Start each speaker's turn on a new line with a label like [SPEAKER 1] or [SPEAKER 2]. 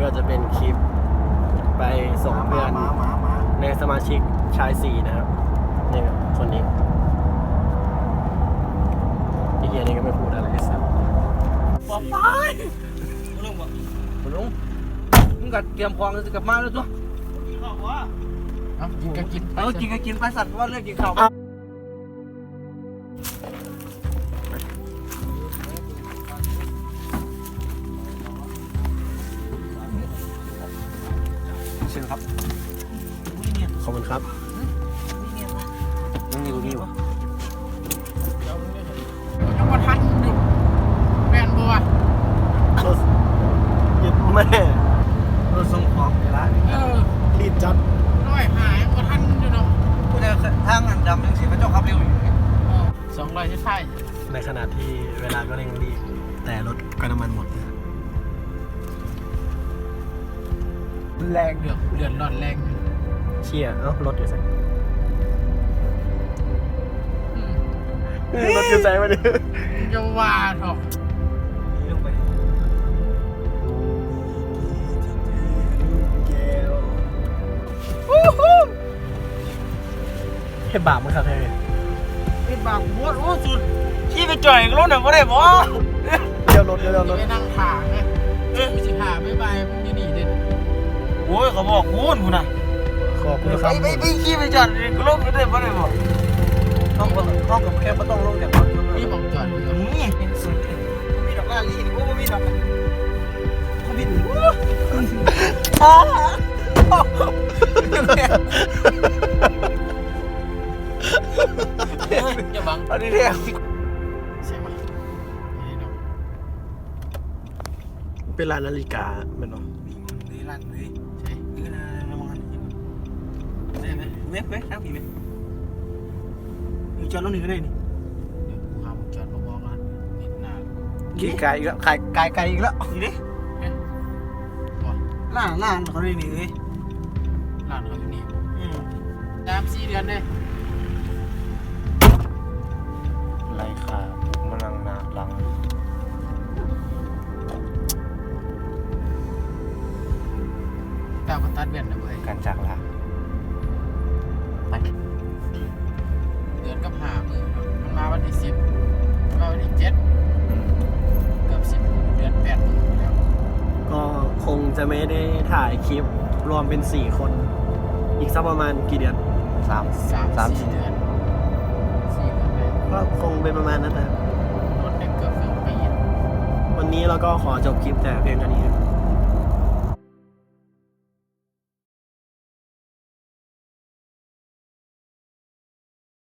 [SPEAKER 1] ก็จะเป็นคลิปไปส่งเพื่อนในสมาชิกชาย4นะครับนี่ครับคนนี้อีกอย่างนี้ก็ไม่พูดอะไรเลยสัก
[SPEAKER 2] บอกไปลุงบอกลุงมึงกัดเตรียมพองจะกลับมาแล้วตัวกินข้าววะกินก็กินกินก็กินไปสัตว์ว่าเรื่องกินข้าวเชิญครับ
[SPEAKER 1] ขอบคุณครับ
[SPEAKER 2] มึงอยู่นี่วะ
[SPEAKER 3] ยังมาทันอยู่แม่นบัว
[SPEAKER 1] ยึดแม่
[SPEAKER 2] เราส่งของไปร้าน
[SPEAKER 1] รีบจัด
[SPEAKER 3] น้อยหายมาทันอยู่เนาะ
[SPEAKER 2] กูจะทางอันดำยังเสียพระเจ้าขับเร็วอยู่
[SPEAKER 3] 200ใช่
[SPEAKER 1] ในขณะที่เวลาก็เร่งรีบแต่รถก็น้ำมันหมด
[SPEAKER 3] แรงเดือดร้อนแรง
[SPEAKER 1] เชี่ยรถอยู่ใส่รถอยู่ใส่มาดิ
[SPEAKER 3] จะว่าเถอะ
[SPEAKER 2] ลงไป
[SPEAKER 1] เห็บบาปมั้งครับเฮ้ย
[SPEAKER 2] ไอ้บางหัวโอ้สุดขี้ไปจ่อยรถหนึ่งก็ได้บ่
[SPEAKER 1] เดี๋ยวรถ
[SPEAKER 3] ไปนั่งถางไงไม่ใช่ถางไม่ไปมึงจะหนีเด็ด
[SPEAKER 2] โอ้ยเขาบอกคุณนะ
[SPEAKER 1] ขอบคุณครับ
[SPEAKER 2] ไปขี้ไปจอดก็ลงก็ได้บ่ได้บ่ห้องกับแค่ไม่ต้องลงจากรถ
[SPEAKER 3] นี่บอกจอด
[SPEAKER 2] นี่สุดมีดอกลาลีนี่กูมีดอกเขาบิน
[SPEAKER 3] อย่าบัง
[SPEAKER 2] อันนี้เรียก
[SPEAKER 3] ใช่ไหม
[SPEAKER 1] เป็นร้านนาฬิกาเป็นหรอ
[SPEAKER 2] นี่ร้านเลยใช่นี่นะระวังได้ไหมเว็บทั้งกี่เว็บมีจอดรถหนึ่งก็ได้นี่
[SPEAKER 3] เดี๋ยวกูหาจอดมาบอกร้านนิดนาน
[SPEAKER 1] กี่ไกลอีกแล้วไกลอีกแล้ว
[SPEAKER 2] นี่ดิร้านเขาได้นี่เลย
[SPEAKER 3] ร้านเขาอยู่นี่3-4 เดือนเลย
[SPEAKER 1] ไรค่ะมันลังนาลัง
[SPEAKER 3] แต่ก็ตัดเบียนนะเว้ย
[SPEAKER 1] การจากลาไป
[SPEAKER 3] เดือนกับ5 มื้อมันมาวันที่10มาวันที่7เกือบ10เดือน8 มื้อแล้ว
[SPEAKER 1] ก็คงจะไม่ได้ถ่ายคลิปรวมเป็น4 คนอีกสักประมาณกี่เดือน
[SPEAKER 3] 3-4 เดือน
[SPEAKER 1] ก็คงเป็นประมาณนั้นนะ
[SPEAKER 3] รถเกือบ1 ปี
[SPEAKER 1] วันนี้เราก็ขอจบคลิปแต่เพียงเท่านี้